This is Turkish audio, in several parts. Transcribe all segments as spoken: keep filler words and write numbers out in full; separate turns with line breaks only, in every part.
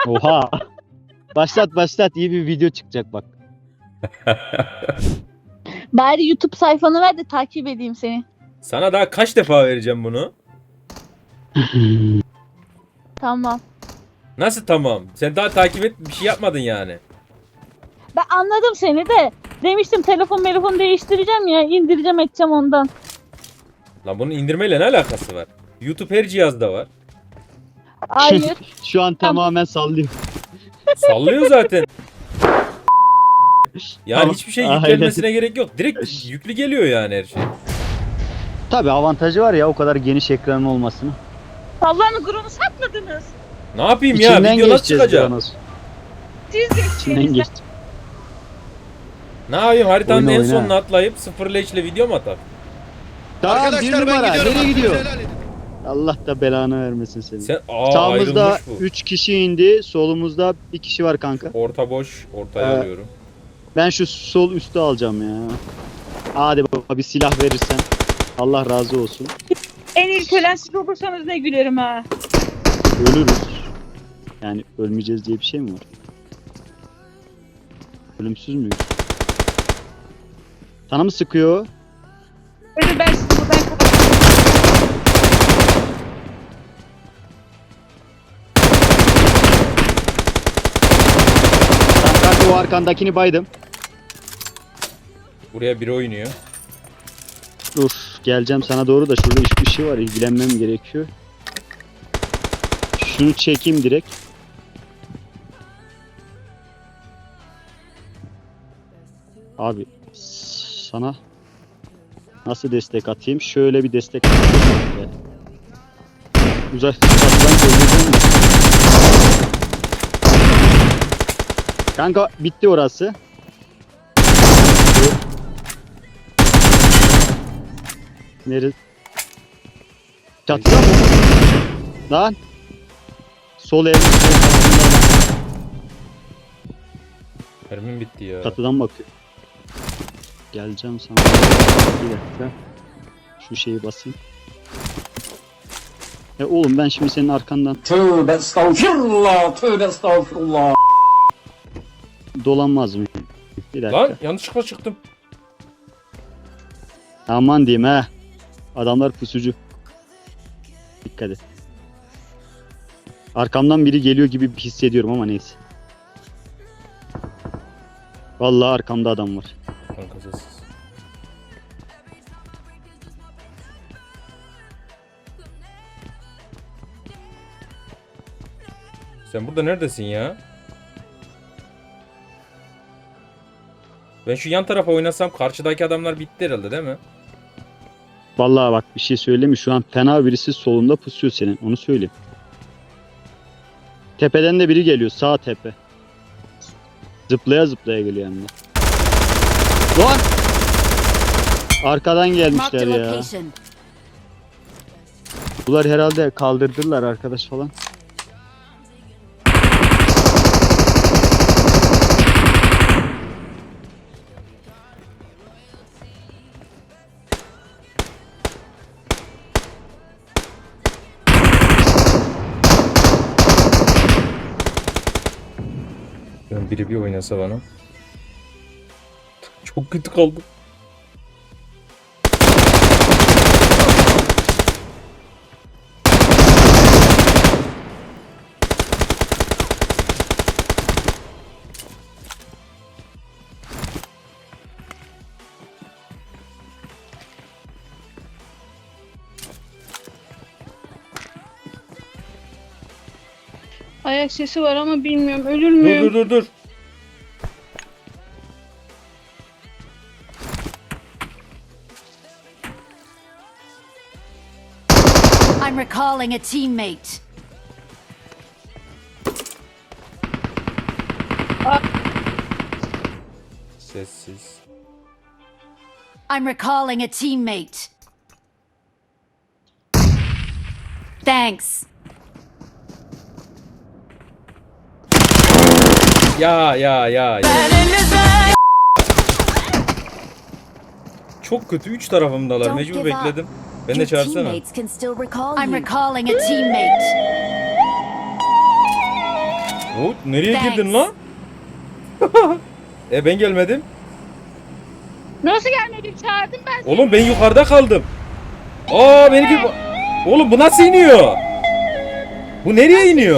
Oha. Başlat başlat, iyi bir video çıkacak bak.
Bari YouTube sayfanı ver de takip edeyim seni.
Sana daha kaç defa vereceğim bunu?
Tamam.
Nasıl tamam? Sen daha takip et bir şey yapmadın yani.
Ben anladım seni de. Demiştim telefon telefon değiştireceğim ya. İndireceğim edeceğim ondan.
Lan bunun indirmeyle ne alakası var? YouTube her cihazda var.
Hayır.
Şu an tamamen sallıyor.
Sallıyor zaten. Yani
Tamam.
hiçbir şey
Aynen.
yüklenmesine gerek yok. Direkt yüklü geliyor yani her şey.
Tabii avantajı var ya o kadar geniş ekranın olmasını.
Allah'ın gururunu satmadınız.
Ne yapayım ya? Video nasıl
geçeceğiz
çıkacak?
Kronos.
Siz
İçinden
geçtiniz.
geç.
Ne yapayım? Haritanın
Oyna,
en
oyna.
sonuna atlayıp sıfır leşle video mu atar?
Tamam, bir
Arkadaşlar ben
numara.
gidiyorum.
Nereye
hakkınızı
gidiyor?
helal edin.
Allah da belanı vermesin seni.
Sen aa
Sağımızda
ayrılmış bu.
üç kişi indi. Solumuzda bir kişi var kanka.
Orta boş, ortaya
Ee,
alıyorum.
Ben şu sol üstü alacağım ya. Hadi baba bir silah verirsen. Allah razı olsun.
En ilk ölen siz olursanız ne gülerim ha.
Ölürüz. Yani ölmeyeceğiz diye bir şey mi var? Ölümsüz müyüz? Sana mı sıkıyor?
Öyle ben sizi buradan kapatayım.
Sen kanka o arkandakini baydım.
Buraya biri oynuyor.
Dur geleceğim sana doğru da şurada hiçbir şey var, ilgilenmem gerekiyor. Şunu çekeyim direkt. Abi sana nasıl destek atayım? Şöyle bir destek atayım. Uzak uzaktan söyleyeceğim mi? Kanka bitti orası. Nerede? Çatıda mı? Lan. Sol el.
Mermim bitti ya.
Çatıdan bakıyor. Geleceğim sana. Bir dakika. Şu şeyi basayım. Ya oğlum ben şimdi senin arkandan
Tövbe estağfirullah, tövbe estağfirullah.
dolanmaz mıyım? Bir dakika.
Lan yanlışlıkla çıktım.
Aman diyeyim ha. Adamlar pusucu. Dikkat et. Arkamdan biri geliyor gibi hissediyorum ama neyse. Vallahi arkamda adam var.
Kanka sessiz. Sen burada neredesin ya? Ben şu yan tarafa oynasam karşıdaki adamlar bitti herhalde değil mi?
Vallahi bak bir şey söyleyeyim mi? Şu an fena birisi solunda pusuyor senin. Onu söyleyeyim. Tepeden de biri geliyor. Sağ tepe. Zıplaya zıplaya geliyor yanına. Lan! Arkadan
Marked a
gelmişler ya.
location.
Bunlar herhalde kaldırdılar arkadaş falan.
Ben biri bir oynasa bana. Çok kötü kaldım.
Ayak sesi var ama bilmiyorum ölür
Dur
müyüm?
dur dur dur.
I'm recalling a teammate.
Sessiz.
I'm recalling a teammate. Thanks.
Ya ya ya ya. Çok kötü üç tarafımdalar.
Don't
Mecbur
give up.
bekledim. Ben de
Your
çağırsana.
teammates can still recall I'm recalling a teammate.
O nereye
Thanks.
girdin lan? E ben gelmedim.
Nasıl gelmedin? Çağırdım ben seni.
Oğlum ben yukarıda kaldım. Aa benimki... Oğlum bu nasıl iniyor? Bu nereye iniyor?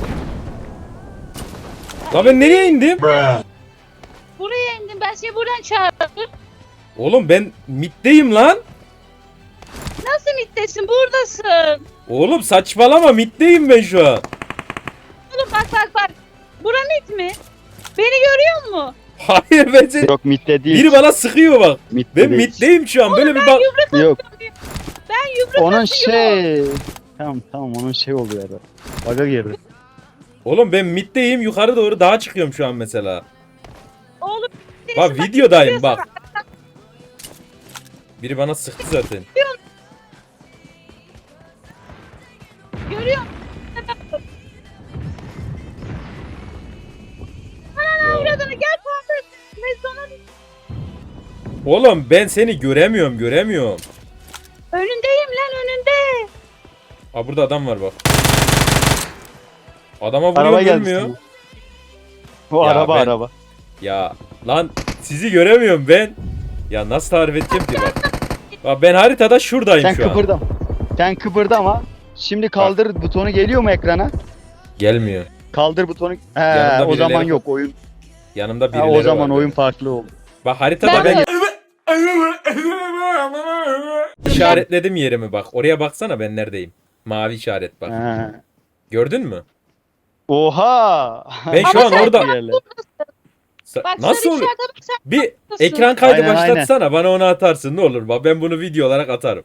Lan ben nereye indim?
Buraya indim. Ben seni buradan çağırdım.
Oğlum ben middeyim lan.
Nasıl mittesin? Buradasın.
Oğlum saçmalama middeyim ben şu an.
Oğlum bak bak bak. Bura mit mi? Beni görüyor musun?
Hayır ben seni...
Yok mitte değil.
Biri bana sıkıyor bak.
Mitte
Ben
değil.
middeyim şu an böyle bir bak.
Yok.
Ben yumruk
Onun
atıyorum.
şey. Tamam tamam onun şey oluyor ya. Baga girdi.
Oğlum ben middeyim yukarı doğru dağa çıkıyorum şu an mesela.
Oğlum.
Bak
birisi
videodayım
görüyor
bak. Biri bana sıktı zaten.
sana, Görüyor musun? Ana avradını gel kaldır. Ve sonra
Oğlum ben seni göremiyorum göremiyorum.
önündeyim lan önünde.
Aa burada adam var bak. Adama
Araba
vuruyorum
geldi.
ölmüyor.
sana. O
Ya
araba
ben-
araba.
Ya lan sizi göremiyorum ben. Ya nasıl tarif edeceğim ki bak. Bak ben haritada şuradayım
Sen
şu an.
kıpırdama. Sen kıpırdama. Şimdi kaldır butonu geliyor mu ekrana?
Gelmiyor.
Kaldır butonu. He,
Yanımda
o zaman
birileri-
yok oyun.
Yanımda
Ha,
birileri
o zaman
var
oyun
benim.
farklı oldu.
Bak haritada
Ben
ben işaretledim yerimi bak. Oraya baksana ben neredeyim. Mavi işaret bak.
He.
Gördün mü?
Oha.
Ben şu
Ama
an
sen
orada.
Yerler.
Sa-
Bak
Nasıl
sarı
oluyor?
işarete bak sen.
Bir
Nasıl?
ekran kaydı
Aynen,
başlatsana bana onu atarsın ne olur bak ben bunu video olarak atarım.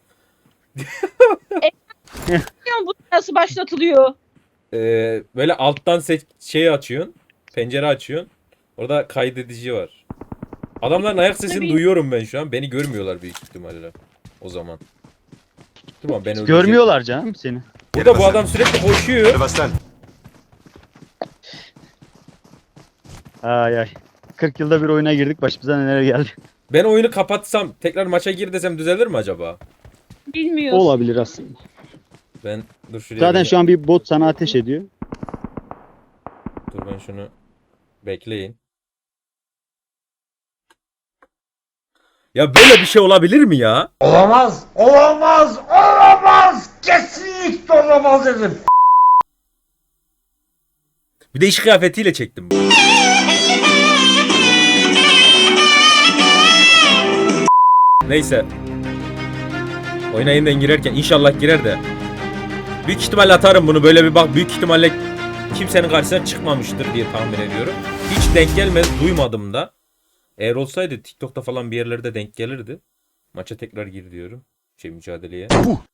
Bilmiyorum bu nasıl başlatılıyor.
Ee, böyle alttan se- şey açıyorsun. Pencere açıyorsun. Orada kaydedici var. Adamların ayak sesini
Tabii.
duyuyorum ben şu an. Beni görmüyorlar büyük ihtimalle. O zaman. Tamam ben öldürecek.
Görmüyorlar canım seni.
Burada bu adam sürekli koşuyor.
Ay ay. kırk yılda bir oyuna girdik başımıza neler geldi.
Ben oyunu kapatsam tekrar maça gir desem düzelir mi acaba?
Bilmiyoruz.
Olabilir aslında.
Ben dur şuraya.
Zaten
bir-
şu an bir bot sana ateş ediyor.
Dur ben şunu bekleyin. Ya böyle bir şey olabilir mi ya?
Olamaz, olamaz, olamaz. Kesinlikle olamaz dedim.
Bir de iş kıyafetiyle çektim. Neyse. Oyuna yeniden girerken inşallah girer de. Büyük ihtimalle atarım bunu böyle bir bak büyük ihtimalle kimsenin karşısına çıkmamıştır diye tahmin ediyorum. Hiç denk gelmedi duymadım da. Eğer olsaydı TikTok'ta falan bir yerlerde denk gelirdi. Maça tekrar gir diyorum. Şey mücadeleye.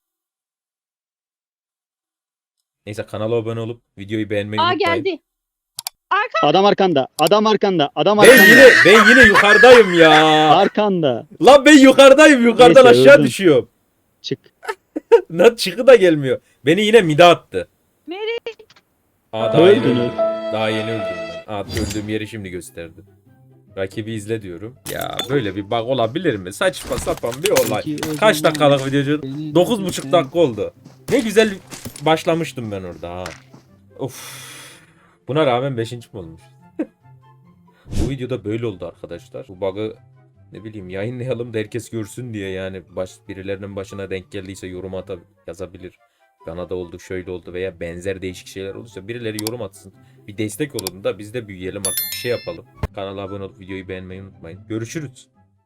Neyse kanala abone olup videoyu beğenmeyi
Aa
unutmayın.
geldi.
Adam arkanda. Adam arkanda. Adam
Ben
arkanda.
yine ben yine yukarıdayım ya.
Arkanda.
Lan ben yukarıdayım yukarıdan
Neyse,
aşağı
öldün.
düşüyorum.
Çık.
Lan çıkı da gelmiyor. Beni yine mide attı.
Nereye?
Aa daha yeni
Öldün,
öldüm. Daha yeni öldüm ben. Aa öldüğüm yeri şimdi gösterdi. Rakibi izle diyorum. Ya böyle bir bug olabilir mi? Saçma sapan bir olay. Kaç dakikalık videocu? dokuz buçuk dakika oldu. Ne güzel başlamıştım ben orada ha. Of. Buna rağmen beşinci mi olmuş? Bu videoda böyle oldu arkadaşlar. Bu bug'ı ne bileyim yayınlayalım da herkes görsün diye yani baş, birilerinin başına denk geldiyse yorum atab yazabilir. Bana da oldu şöyle oldu veya benzer değişik şeyler olursa birileri yorum atsın. Bir destek olun da biz de büyüyelim artık bir şey yapalım. Kanala abone olup videoyu beğenmeyi unutmayın. Görüşürüz.